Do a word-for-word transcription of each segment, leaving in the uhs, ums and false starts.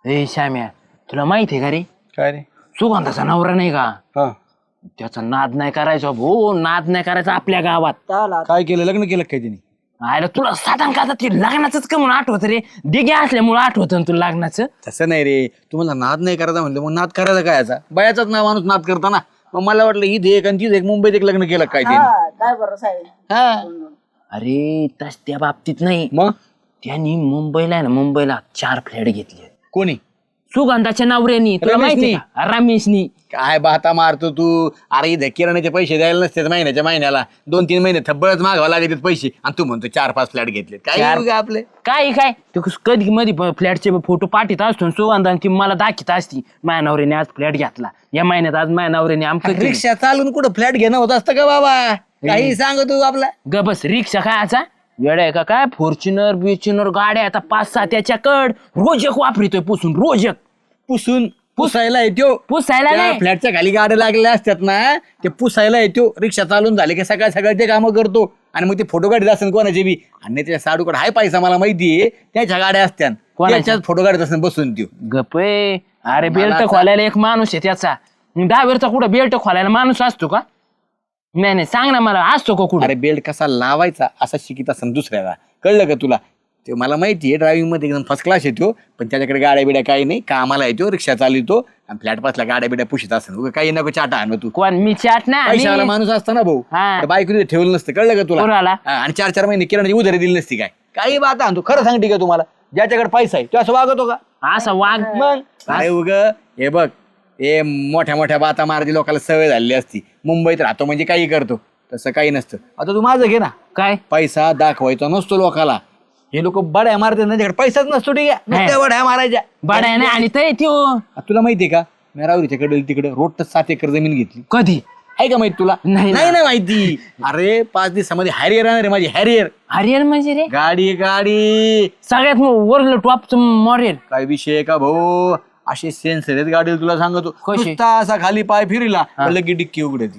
ए श्याम्या, तुला माहिती आहे का रे, काय रे? सुगंधाचा नवरा नाही का, हा, त्याचा नाद नाही करायचा भाऊ, नाद नाही करायचा आपल्या गावात. काय केलं? लग्न केलं काय तिने? आयला तुला साधारण का ते लग्नाचंच का म्हणून आठवत रे, डिगे असल्यामुळे आठवत तुला लग्नाचं. तसं नाही रे, तुम्हाला नाद नाही करायचा म्हणलं, मग नाद करायचा काय याचा? बायाचाच ना माणूस नाद करता ना. मग मला वाटलं ही एक आणि तीच एक मुंबईत एक लग्न केलं काय तिने. काय बरं साहेब. हा, अरे तस त्या बाबतीत नाही, मग त्यांनी मुंबईला आहे ना, मुंबईला चार फ्लॅट घेतले. कोणी? सुगंधाच्या नवऱ्यानी, तुला माहिती रमेशनी? का? रमेशनी. काय बाता मारतो तू? अरे इथे किराण्याचे पैसे द्यायला नसते महिन्याच्या महिन्याला, दोन तीन महिने थब्बळच मागावं लागत पैसे, आणि तू म्हणतो चार पाच फ्लॅट घेतले. काय चार- उगा आपले काय काय तू कधी मध्ये फ्लॅटचे फोटो पाठीत असतो, सुगंधा ती मला दाखीत असती, माझ्या नवऱ्याने आज फ्लॅट घेतला, या महिन्यात आज माझ्या नवऱ्याने आमचं केलं. रिक्षा चालून कुठं फ्लॅट घेणं होत असतं का बाबा? काही सांग तू आपला. ग बस, रिक्षा खायचा वेळ आहे का काय? फॉर्च्युनर बिच्युनर गाड्या आता पाच सहा त्याच्याकड, रोज एक वापरितोय पुसून, रोज एक पुसून पुसायला येतो. पुसायला त्या नाही. फ्लॅटच्या खाली गाड्या लागलेल्या असतात ना, ते पुसायला येतो. रिक्षा चालून झाले की सकाळ सकाळ ते कामं करतो, आणि मग ते फोटो काढत असेल कोणाचे बी, आणि त्याच्या साडूकडे हाय पैसा मला माहितीये, त्याच्या गाड्या असत्या, त्याच्यात फोटो काढत असेल बसून त्यो. गपे. अरे बेल्ट खोलायला एक माणूस आहे त्याचा, ड्रायव्हरचा कुठं बेल्ट खोलायला माणूस असतो का? नाही नाही, सांग ना मला, असतो का कुठं? अरे बेल्ट कसा लावायचा असा शिकित असेल दुसऱ्याला, कळलं का तुला? ते मला माहितीये, ड्रायव्हिंग मध्ये एकदम फर्स्ट क्लास येतो, पण त्याच्याकडे गाड्या बिड्या काही नाही, कामाला येतो, रिक्षा चालवतो, आणि फ्लॅट पासला गाड्या बिड्या पुशीत असेल. उगा काही नको चाटा आणू तू. कोण? मी चाट ना. पैशावाला माणूस असता ना भाऊ, हा. तर बायको तिथे ठेवलं नसतं, कळलं का तुला? कोणाला? हा, आणि चार चार महिने किराणाची उधारी दिली नसती काय? काही बात आणतो, खरं सांगते का तुम्हाला? ज्याच्याकडे पैसा आहे तो असं वागतो का? असा वाघ मग अरे उग हे बघ, हे मोठ्या मोठ्या बाता मारायची लोकांना सवय झालेली असती. मुंबईत राहतो म्हणजे काही करतो, तसं काही नसतं. आता तू माझं घे ना, काय पैसा दाखवायचा नसतो लोकाला. हे लोक बड्या मारतात, त्यांच्याकडे पैसाच नसतो, ठीक आहे, नुसत्या बड्या मारायच्या. बडा नाही, आणि ते त्यो आ, तुला माहितीये का, मी राहुरीच्याकडे तिकडे रोड सात एकर जमीन घेतली. कधी आहे का माहिती तुला? नाही ना. नाही ना माहिती. अरे पाच दिवसामध्ये हॅरियर आहे माझी, हॅरियर हरियर म्हणजे रे गाडी. गाडी सगळ्यात वरलं टॉपचं मॉडेल. काय विषय आहे का भाऊ? असे सेन्सर आहेत गाडीला, तुला सांगतो. कशी? नुसता असा खाली पाय फिरला लगी डिक्की उघडती.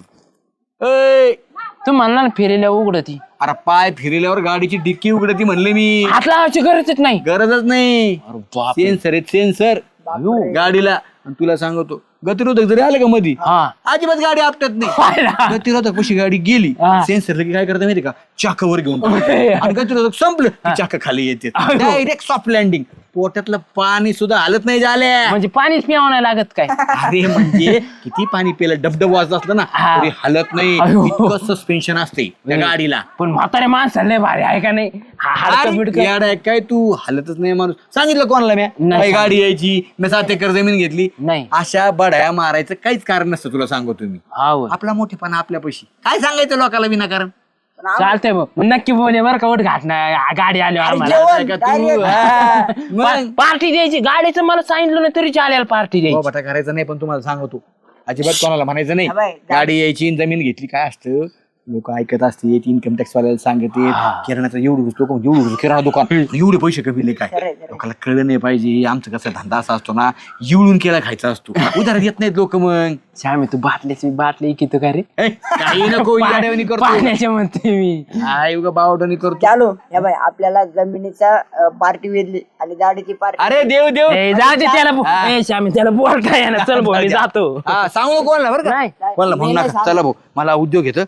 ऐ, तू म्हणला ना फिरेल्या उघडती, अरे पाय फिरल्यावर गाडीची डिक्की उघडती म्हणले मी. हात लावायची गरजच नाही. गरजच नाही. अरे बापरे. सेन्सर आहेत सेन्सर गाडीला. आणि तुला सांगतो, गतिरोधक जरी आलं का मधी, हा. अजिबात गाडी आपटत नाही. गतिरोधक कशी गाडी गेली, हा. सेन्सर लगे काय करता माहिती का, चाक वर घेऊन टाकतं. आणि गतिरोधक संपलं की चाक खाली येते, डायरेक्ट सॉफ्ट लँडिंग. पोटातलं पाणी सुद्धा हालत नाही झाल्या. म्हणजे पाणीच प्यावं नाही लागत काय? अरे म्हणजे किती पाणी पिलं, डबडब वाजत असलं ना हा. तरी हालत नाही. अयो. इतकं सस्पेन्शन असते त्या गाडीला. पण म्हातारे माणसाला लय भारी आहे का नाही? हा, हाडकं अरे, बिडकं. येडा आहे काय तू? हालतच नाही माणूस. सांगितलं कोणाला म्या नाही काही गाडी यायची, मी सात एकर जमीन घेतली. नाही. अशा बड्या मारायचं काहीच कारण नसतं, तुला सांगतो तुम्ही. हा होय. आपला मोठेपणा आपल्या पैशी काय सांगायचं लोकांना विनाकारण. चालतंय बघ, नक्की बोले बरं का, वट घाट नाही गाडी आली आम्हाला. जेवण, का तू? हा. मग पार्टी द्यायची, गाडीचं मला सांगितलं ना तरी चालेल पार्टी द्यायची. बटा करायचं नाही, पण तुम्हाला सांगतो अजिबात कोणाला म्हणायचं नाही. हा बाई, गाडी यायची, जमीन घेतली, काय असतं लोक ऐकत असते, इन्कम टॅक्स वाल्याला सांगते किराणाचं एवढं लोक एवढं किराणा दुकान एवढे पैसे कमी काय लोकांना कळलं नाही पाहिजे. आमचं कसं धंदा असा असतो ना, येऊन केला खायचा असतो, उधार देत नाहीत लोक. मग श्यामी तू बाटल्याची बाटली किती का रे? ए, काही नको येड्यावानी करतो. पाण्याचे म्हणते मी. काय उगा बावटानी करतो. चालू या बाई, आपल्याला जमिनीचा पार्टी वेधली आणि गाडीची पार्टी. अरे देव देव ए, जाऊ दे त्याला बो- ए, श्यामी त्याला बोलता येणार. चल भाऊ मी जातो. हा, सांगू नको कोणाला बरं का? नाही. कोणाला म्हणू नका. चला भाऊ, मला उद्योग येतं.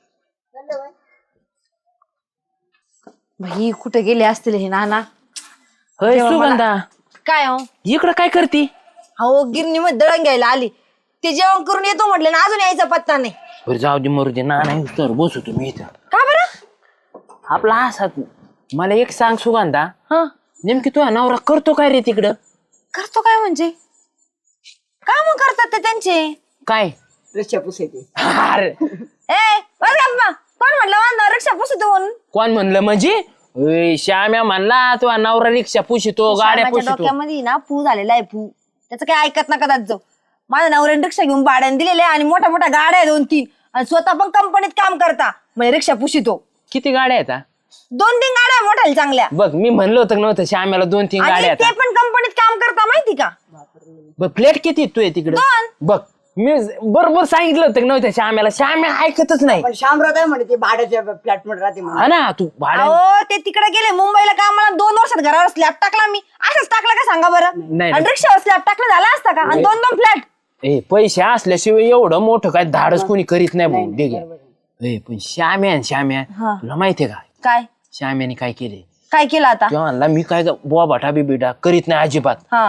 भाई कुठे गेले असतील हे नाना? होय सुगंधा, काय हो इकडं काय करती? हो गिरणी मध्ये दळण घ्यायला आली, ते जेवण करून येतो म्हटलं ना, अजून यायचा पत्ता नाही. बरं जाऊ दे मरू दे, ना नाही तर बसू तुम्ही इथं. का बरं? आपला असा मला एक सांग सुगंधा, हा नेमकी तुझा नवरा करतो काय रे तिकडं? करतो काय म्हणजे? काम करतात ते त्यांचे. काय? रिक्षा पुसायची. अरे ए बस गप्प मग. कोण म्हटलं वांदा रिक्षा पुसतो म्हणून? कोण म्हणलं म्हणजे? ओय, श्याम्या म्हणला तुझा नवरा रिक्षा पुशितो, गाड्या श्यामाच्या पुशितो. डोक्यामध्ये ना फू झालेला आहे, फू. त्याचं काय ऐकत नका त्यात जाऊ. माझ्या नवऱ्याने रिक्षा घेऊन भाड्याने दिलेले आणि मोठ्या मोठ्या गाड्या आहे दोन तीन, आणि स्वतः पण कंपनीत काम करता, म्हणजे रिक्षा पुशितो. किती गाड्या आहेत हा? दोन तीन गाड्या आहे मोठ्या चांगल्या, बघ मी म्हणलं होतं नव्हतं श्याम्याला दोन तीन गाड्या आणि आहेत. ते पण कंपनीत काम करता, माहिती का? बघ प्लेट किती तू आहे तिकडं? दोन. बघ मी बरोबर सांगितलं होतं की नव्हतं श्याम्याला, श्याम्या ऐकतच नाही. पण शामराव आहे म्हणे ते भाड्याच्या फ्लॅट मध्ये राहते म्हणून. हा ना तू भाड्या अहो ते तिकडे गेले मुंबईला कामाला, दोन वर्षात घरावर स्लॅब टाकला मी. असंच टाकला का सांगा बरं? नाही. आणि रिक्षावर स्लॅब टाकला झाला असता का? आणि दोन दोन फ्लॅट. ए पैसे असल्याशिवाय एवढं मोठं काय धाडस कोणी करीत नाही भाऊ. दे घे. ए पण श्याम्या न श्याम्या हा. तुला माहितीये का काय श्याम्याने काय केले? काय केलं आता? तेव्हा म्हणला मी काय बुवा भाटा बिबिटा करीत नाही अजिबात. हा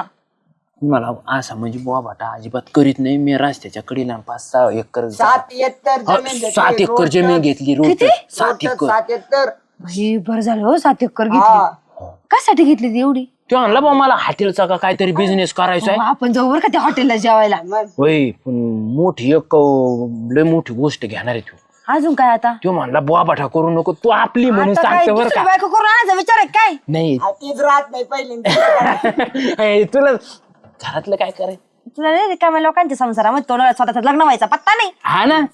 मला असं म्हणजे बुवा भाटा अजिबात करीत नाही. मी रस्त्याच्या कडेला पाच सहा एकर सात एकर हा, जमीन घेतली, सात एकर रोड जमीन तर- घेतली रोड किती? सात रोड तर एकर. सात एकर भाई बरं झालं हो, सात एकर घेतली. हा. कशासाठी घेतली ती एवढी? तो म्हणला बा मला हॉटेलचा का काहीतरी बिझनेस करायचा आहे. अहो, आपण जाऊ बरं का त्या हॉटेलला जेवायला. मग होय पण मोठी एक अं, लय मोठी गोष्ट घेणार आहे तू. अजून काय आता? तो म्हणला बुवा भाटा करू नको तू आपली म्हणून आता काय सांगतो बरं दुसरी का. बायको करून आणायचा विचार आहे काय? नाही आ, तीच राहत नाही पहिल्यांदा. ए, तुला घरातलं काय करायचं तुला नाही रिकाम्या लोकांच्या संसारामध्ये तोंडाला स्वतःचा लग्न व्हायचा पत्ता नाही. हा ना.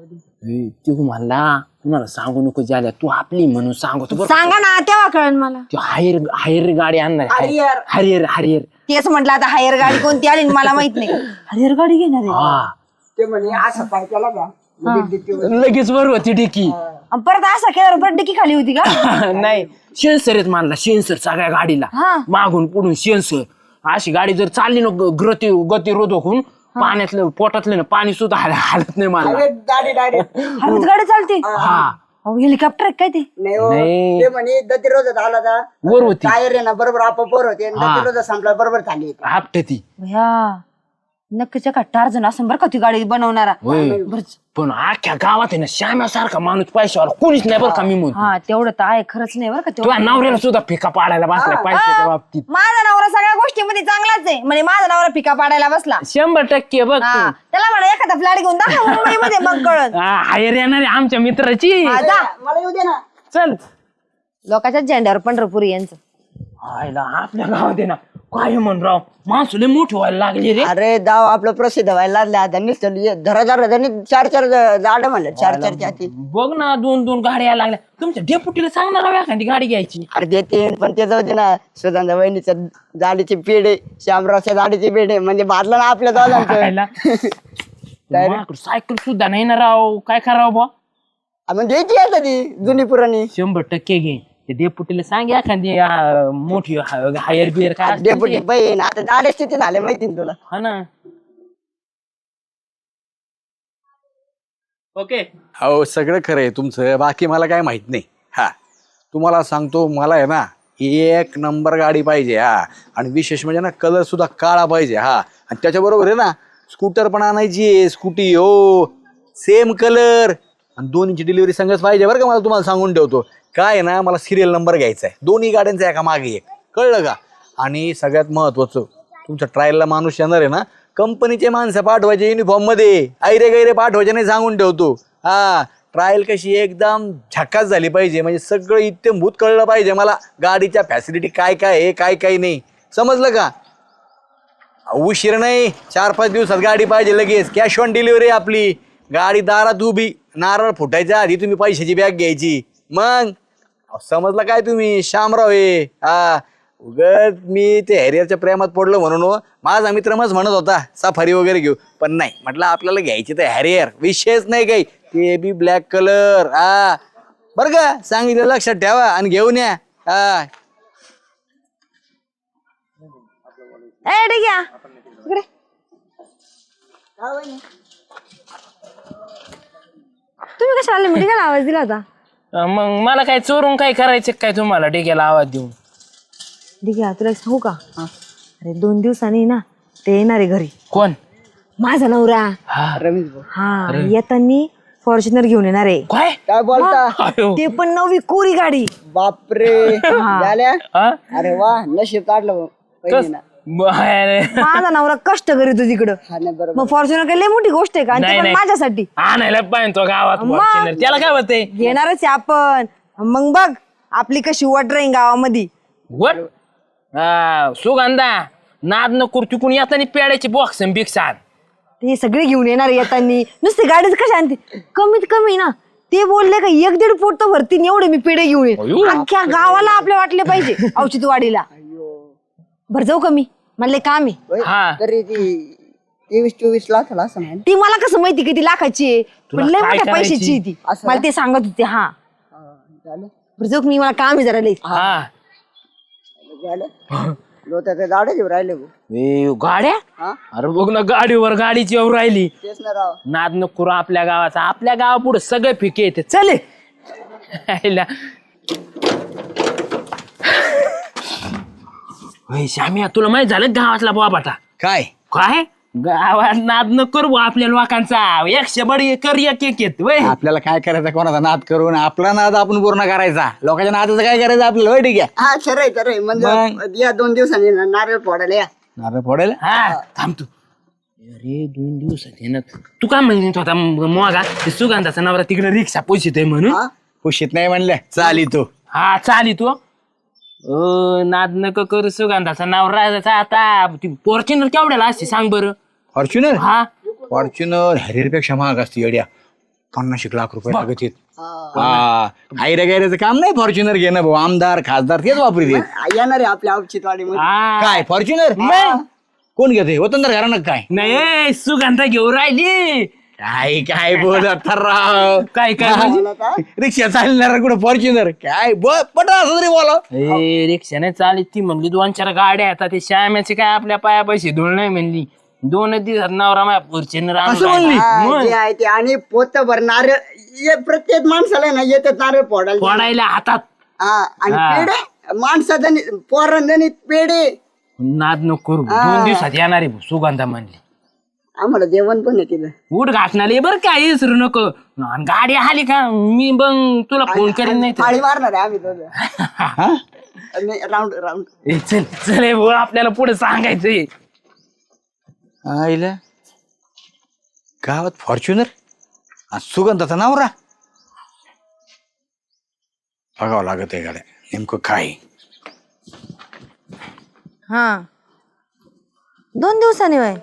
ए, तू म्हणला तुम्हाला सांगू नको झाल्या तू आपली म्हणून सांगतो बरं. सांगा ना तेव्हा कळण मला. तू हायर हायर गाडी आणणार आहे. हरियर. हरियर हरियर तेच म्हटलं आता हायर गाडी कोणती आली आणि मला माहित नाही. हायर गाडी घेणार आहे. हा ते म्हणे असं पाय त्याला का लगेच देते म्हणे. लगेच बरोबर होती डिकी. आणि परत असा केल्यावर परत डिकी खाली होती का? नाही शेन्सरच मानला शेन्सर सगळ्या गाडीला हा. मागून पुढून शेन्सर. अशी गाडी जर चालली ना गती गतिरोधक होऊन पाण्यातलं पोटातलं ना पाणी सुद्धा हाल- हालत नाही मला. अरे गाडी डायरेक्ट हवेत गाडी चालते. हा अहो हेलिकॉप्टर आहे काय ते? नाही हो. नाही. ते म्हणे दतिरोधक आला का वर होती टायर आहे ना बरोबर आपोआप वर होते हा. दतिरोधक संपला बरोबर चालली आपटे ती. भया नक्कीच्या का टार्जन असं बरं का ती गाडी बनवणारा. होय. पण अख्ख्या गावात आहे ना श्याम्यासारखा माणूस पैशावाला कोणीच नाही बरं का मी म्हणतो. हा तेवढं तर आहे खरंच नाही बरं का तुझ्या तेवढं. नवऱ्याला सुद्धा फिका पाडायला बसला पैशाच्या बाबतीत. माझा नवरा सगळ्या गोष्टीमध्ये चांगलाच आहे. म्हणजे माझा नवरा पिका पाडायला बसला. शंभर टक्के बघ हा तू. त्याला म्हणा एखादा फ्लॅट घेऊन दाखव मुंबईमध्ये मग कळत. हा, हायर येणार आहे आमच्या मित्राची. हा, जा. मला येऊ दे ना. चल लोकांच्या झेंड्यावर पंढरपूर यांचं. आयला आपल्या गावात आहे ना काय म्हण राव माणसं लय मोठी व्हायला लागली रे. अरे दाव आपलं प्रसिद्ध व्हायला लागले आता नुसतं धरा धरा त्यांनी चार चार झाड म्हणलं चार चार जाती. बघ ना दोन दोन गाड्या यायला लागल्या. तुमच्या डेपुटीला सांगणार राव एखादी गाडी घ्यायची. अरे देते पण ते जाऊ दे ना सुधांदा वहिनीच्या दाढीचे पेढे श्यामरावच्या दाढीचे पेढे म्हणजे भाजलं ना आपल्या दोघांचं. खायला. माझ्याकडे सायकल सुद्धा नाही ना राव काय करावं बा. आपण घ्यायची आता ती जुनी पुराणी शंभर टक्के घे. ते डेपुटीला सांग एखादी आ, मोठी हा- हायर बियर काय असते डेपुटी ते. बहीण आता दाढेच तिथे झाले माहिती ना तुला. हा ना. ओके हो सगळं खरं आहे तुमचं बाकी मला काय माहित नाही. हा तुम्हाला सांगतो मला आहे ना एक नंबर गाडी पाहिजे. हा आणि विशेष म्हणजे ना कलर सुद्धा काळा पाहिजे. हा आणि त्याच्याबरोबर आहे ना स्कूटर पण आणायची आहे स्कूटी हो सेम कलर आणि दोन्हीची डिलिव्हरी संगच पाहिजे बरं का. मला तुम्हाला सांगून ठेवतो काय आहे ना मला सिरियल नंबर घ्यायचा आहे दोन्ही गाड्यांचा एका मागे एक कळलं का. आणि सगळ्यात महत्वाचं तुमच्या ट्रायलला माणूस येणार आहे ना कंपनीचे माणसं पाठवायचे युनिफॉर्म मध्ये ऐरे गैरे पाठवायचे नाही सांगून ठेवतो. हा ट्रायल कशी एकदम झकास झाली पाहिजे म्हणजे सगळं इत्यंभूत कळलं पाहिजे मला गाडीच्या फॅसिलिटी काय काय आहे काय काय नाही समजलं का. उशीर नाही चार पाच दिवसात गाडी पाहिजे लगेच कॅश ऑन डिलिव्हरी आपली. गाडी दारात उभी नारळ फुटायच्या आधी तुम्ही पैशाची बॅग घ्यायची मग समजलं काय तुम्ही शामराव आहे. हा उगत मी ते हॅरियरच्या प्रेमात पडलो म्हणून हो. माझा मित्र मग म्हणत होता सफारी वगैरे घेऊ पण नाही म्हटलं आपल्याला घ्यायची तर हॅरियर विषयच नाही काही ते बी ब्लॅक कलर. हा बरं का सांगितलं लक्षात ठेवा आणि घेऊन या. हा ए ठीक आहे इकडे. तुम्ही कशा आले म्हणजे काय आवाज दिला होता? मग मला काय चोरून काय करायचं काय तुम्हाला डेक्याला आवाज देऊन. ठीक आहे तुला एक सांगू का? अरे दोन दिवसांनी ना ते येणार आहे घरी. कोण? माझा नवरा. हा रमेश भाऊ हा येतानी फॉर्च्युनर घेऊन येणार आहे. काय काय बोलता आयो. ते पण नवी कोरी गाडी. बापरे झाल्या. हा? अरे वा नशीब काढलं भाऊ. कस- वहिनीनं. बाहेर. माझा नवरा कष्ट करीतो तिकडं. हा नाही बरोबर मग फॉर्च्युनर काही लय मोठी गोष्ट आहे का? आणि ते नाही, पण नाही. माझ्यासाठी आणायला पाहिजे तो गावात मग. Fortuner. त्याला काय होतंय घेणारच आहे आपण. मग बघ आपली कशी वट राहील गावामध्ये. वट हा, सुगंधा नाद न करतो कोणी येताना पेड्याची बॉक्स बिक्स आण. ते सगळे घेऊन येणार आहे येतानी. नुसते गाडीच कशा आणते कमीत कमी ना ते बोलले का एक दीड पोट तर भरतीन एवढे मी पेढे घेऊन अयो. येईन. अख्ख्या गावाला आपले वाटले पाहिजे औषधवाडीला. भर जाऊ कमी मला लय काम आहे. होय. हा. तरी ती तेवीस चोवीस लाखाला असं नाही ती मला कसं माहिती किती लाखाची आहे तुला पण लय काय मोठ्या करायची? पैशाची आहे ती असं मला ते सांगत होते हा झालं बरं जाऊ मी मला काम आहे जरा लई हा झालं लोटाचे दाडे घेऊन राहिले भाऊ. ए, गाड्या हा अरे बघ ना गाडीवर गाडीची येऊ राहिली तेच ना राव नाद नको करू आपल्या गावाचा आपल्या गावा पुढे सगळे फिके येते चले आईला. ओय, श्याम्या तुला माहित झालं गावातला बाबाटा काय काय गावात नाद न करू आपल्या लोकांचा एकशे बडी कर एक एक येत वय आपल्याला काय करायचं कोणाचा नाद करून आपला नाद आपण पूर्ण करायचा लोकांच्या नादाचं काय करायचं आपल्याला होय ठीक आहे हा खरं आहे खरं आहे म्हणजे या दोन दिवसांनी ना नारळ फोडायला या नारळ फोडेल हा थांब तू अरे दोन दिवसात ये ना तू काय म्हणत होता मोगा ते सुगंधाचा नवरा तिकडे रिक्षा पोशित म्हणून हा खुशीत नाही म्हणलं चाली तू हा चाली तू अ नाद नको करू सुगंधाचा नवरा आता फॉर्च्युनर केवढ्याला असते सांग बरं फॉर्च्युनर हा फॉर्च्युनर हॅरियरपेक्षा महाग असते येड्या पन्नास एक लाख रुपये लागत आहेत हा हायऱ्या गायऱ्याचं काम नाही फॉर्च्युनर घेणं भाऊ आमदार खासदार तेच वापरीत आहेत. येणार आहे आपल्या अवचितवाडीमध्ये हा. काय फॉर्च्युनर कोण घेते वतनदार घराणं काय नाही सुगंधा घेऊन राहिली काय काय बोलत राव काय काय म्हणजे? मला काय रिक्षा चालणार कुठं फॉर्च्युनर काय पटा असं तरी बोला ए रिक्षाने चालली ती म्हणली दोन चार गाड्या येतात ते श्याम्याचे काय आपल्या पाया पैसे धुळ नाही म्हणली दोन दिवसात नवरा माझ्या फॉर्च्युनर असं म्हणली? हा, जे आहे ते आणि पोतभर नारळ ये प्रत्येक माणसाला ना येतात नारळ फोडायला फोडायला हातात हा आणि हा. पेढे माणसाधनी पोरांनी पेढे नाद नको करू दोन दिवसात येणार आहे सुगंधा म्हणली आम्हाला जेवण पण आहे तिथं उठ घाटणाले बरं काय विसरू नको आणि गाडी आली का मी मग तुला फोन करीन नाही तर. थाळी मारणार आहे आम्ही दोघं राऊंड राऊंड ए, चल चल ए, भाऊ, आपल्याला पुढे सांगायचंय आईला गावात फॉर्च्युनर सुगंधाचा नवरा बघावं लागत आहे गाड्या नेमकं काय हा दोन दिवसांनी वय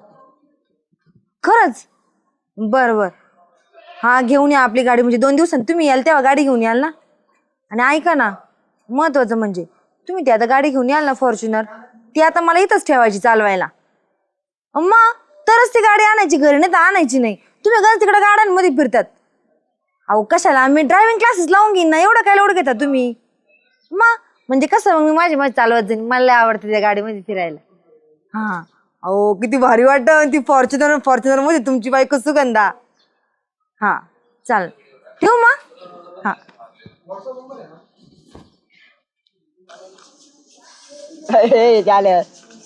खरंच बर बर हा घेऊन या आपली गाडी म्हणजे दोन दिवसांनी तुम्ही याल तेव्हा गाडी घेऊन याल ना आणि ऐका ना महत्वाचं म्हणजे तुम्ही ती आता गाडी घेऊन याल ना फॉर्च्युनर ती आता मला इथंच ठेवायची चालवायला अम्मा तरच ती गाडी आणायची घरी नाही तर आणायची नाही तुम्ही घर तिकडे गाड्यांमध्ये फिरतात अहो कशाला मी ड्रायव्हिंग क्लासेस लावून घेईन ना एवढं काय लोड घेता तुम्ही मा म्हणजे कसं मग मी माझी माझी चालवत जाईन मला लय आवडते त्या गाडीमध्ये फिरायला हा अहो किती भारी वाटत ती फॉर्च्युनर फॉर्च्युनर मध्ये तुमची बायको सुगंधा हा चाल ठेवू मग हा हे झालं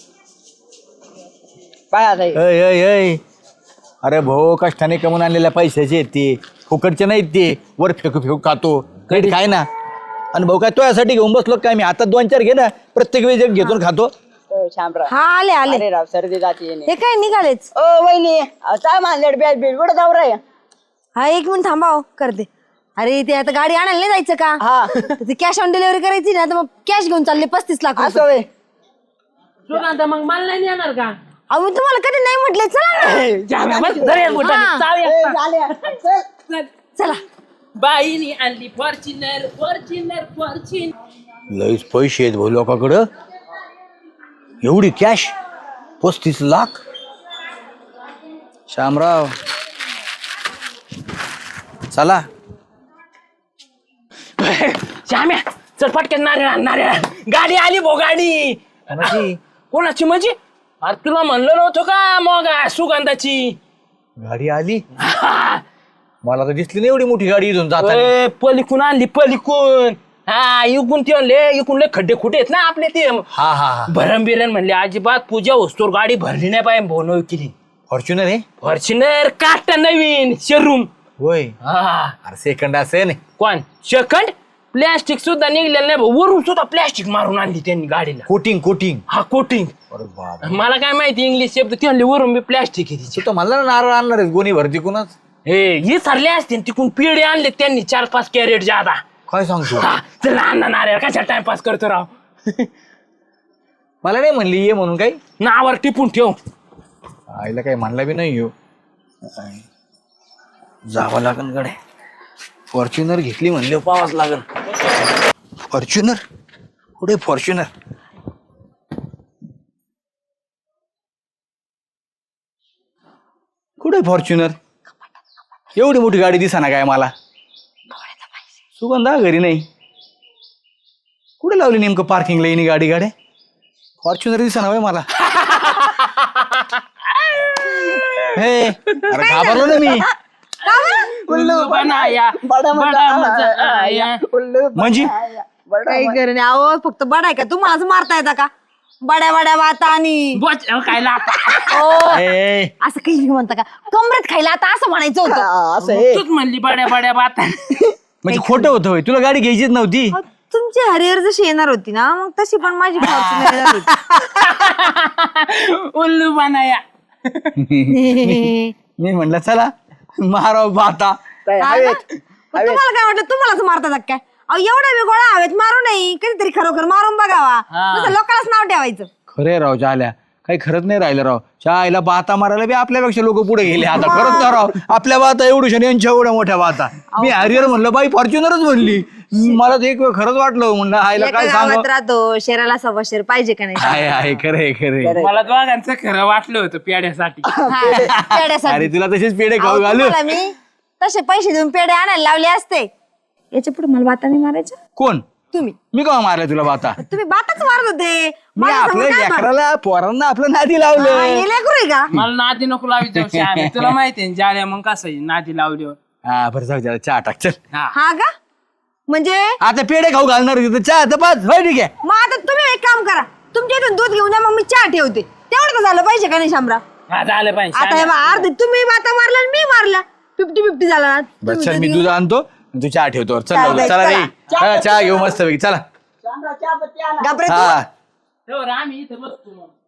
पाया ताई. अय अय अय अरे भाऊ कष्टाने कमवून आणलेल्या पैशाचे आहेत ते फुकटचे नाहीत ते वर फेकू फेकू खातो काही काय ना आणि भाऊ काय तो यासाठी घेऊन बसलो काय मी आता दोन चार घे ना प्रत्येक वेळी एक घेतो खातो ओ, शामराव हा आले आले अरे राव सर्दी जाते हे काय निघालेच ओ वहिनी अहो, काय मानलेट बॅट बीट कुठं जाऊ रे हा एक मिनिट थांबा हो, करते अरे ते आता गाडी आणायला नाही जायचं का हा तर ती कॅश ऑन डिलिव्हरी करायची ना तर मग कॅश घेऊन चालले पस्तीस लाख रुपये. असं होय. सुगंधा मग मला नाही येणार का अहो मी तुम्हाला कधी नाही म्हटले चला जाम्या, बस, धर एक बोटाने, हा. चाव ए, एक. झाले. चल. चला बाईनी आणली फॉर्च्युनर फॉर्च्युनर फॉर्च्युनर लईच पैसे आहेत भाऊ लोकांकडं एवढी कॅश पस्तीस लाख शामराव चला श्याम्या चल पटकन नारळ आण, नारळ आण. गाडी आली भो गाडी कोणाची? कोणाची म्हणजे अरे तुला म्हणलं नव्हतं का मग सुगंधाची गाडी आली मला तर दिसली नाही एवढी मोठी गाडी इथून जाता ए, पलीकून आणली पलीकून हा इकून ते म्हणले इकून लय खड्डे खुटे आहेत ना आपले ते हा हा हा भरण बिरण म्हणले अजिबात पूजा वस्तूवर गाडी भरली नाही पाहिजे भाऊ केली फॉर्च्युनर आहे फॉर्च्युनर काटा नवीन शोरूम होय हा अरे सेकंड असेल कोण सेकंड प्लॅस्टिक सुद्धा निघलेलं नाही भाऊ वरून सुद्धा प्लॅस्टिक मारून आणली त्यांनी गाडीला कोटिंग कोटिंग हा कोटिंग अरे बाबा मला काय माहिती इंग्लिश शब्द ते म्हणले वरून मी प्लॅस्टिक आहे तिची तो म्हणला ना नारळ आणणार आहे गोणी भरती कुणाच हे ही सरले असते तिकून पिढे आणले त्यांनी चार पाच कॅरेट जादा काय सांगतो हा, चला अण्णा नारे कशा टाइमपास करतो राव मला नाही म्हणली ये म्हणून काही नावावर टिपून ठेव आईला काही म्हणला बी नाही येऊ जावं लागन गडे फॉर्च्युनर घेतली म्हणले पावाच लागल फॉर्च्युनर कुठे फॉर्च्युनर कुठे फॉर्च्युनर? एवढी मोठी गाडी दिसाना काय मला? सुगंधा घरी नाही. कुठे लावली नेमकं पार्किंगला येणे गाडी? गाड्या फॉर्च्युनर दिसा ना मला. हे अरे घाबरलो ना मी. उल्लू बनाया, बडा मजा आया. म्हणजे काही गरज नाही. अहो फक्त बडाय का तुम्हालाच मारता येता का? बड्या बड्या वाता आणि बोच काय लाटा. ओ, ए, असं काही नाही म्हणता का? कमरेत खायला आता असं म्हणायचं होतं. असं आहे. तूच म्हणली बड्या बड्या बाता. म्हणजे खोटं होतं होय? तुला गाडी घ्यायचीच नव्हती? अहो, तुमची हरिहर जशी येणार होती ना मग तशी पण माझी फॉर्च्युनर येणार होती. उल्लू बनाया. मी म्हणलं चला माराव बाता. काय हा हवेत ना? मग तुम्हाला काय वाटलं तुम्हालाच मारतात काय? अहो एवढा वेगळा हवेत मारू नाही, कधीतरी खरोखर मारून बघावा. हा. नुसतं लोकांनाच नाव ठेवायचं. खरे राव झाल्या काही खरंच नाही राहिलं राव. आईला बाता मारायला बी आपल्यापेक्षा लोक पुढे गेले आता. खरंच ना राव, आपल्या बाता एवढ्या यांच्या एवढ्या मोठ्या बाता. मी हरिहर म्हणलं बाई फॉर्च्युनरच म्हणली. मला तर एक वेळ खरंच वाटलं, म्हणलं आईला एका काय सांग. गावात राहतो शहराला सव्वा शेर पाहिजे का नाही? आहे आहे खरे खरे. मला दोघांचं खरं वाटलं होतं पेड्यासाठी. हा, पेढ्यासाठी. अरे तुला तसेच पेढे अहो, खाऊ घालू. तुम्हाला मी तसे पैसे देऊन पेढे आणायला लावले असते. याच्या पुढे मला बातानी मारायचं कोण? तुम्ही मी का मारलं तुला बाता? तुम्ही बातच मारत होते. मी माझ्यासमोर आपल्या काय मार- लेकराला पोरांना आपलं नादी हा, लावलं. हे लेकरू आहे का? मला नादी नको लावी जाऊ श्यामे. तुला माहितीये जाल्या मग कसं आहे नादी लावल्यावर. हा बरं जाऊ द्या चहा टाक चल. हा हा का? म्हणजे आता पेढे खाऊ घालणार होती तर चहा तर बस होय ठीक आहे. मग आता तुम्ही एक काम करा, तुमच्या इथून दूध घेऊन या मग मी चहा ठेवते. तेवढं तर झालं पाहिजे का नाही शामराव? हा झालं पाहिजे आता हे श्याम्या. बघा, अर्धे तुम्ही बाता मारला आणि मी मारला. फिफ्टी फिफ्टी झाला ना. बस तुम्ही चल मी दूध दूध घेऊन- आणतो तू चहा ठेवतो. चल चालतंय, लवकर. चला रे चला. हा, चहा घेऊ मस्त पैकी चला. चहापत्ती आणा. घाबरत हा तेव्हा आम्ही इथं बसतो मग.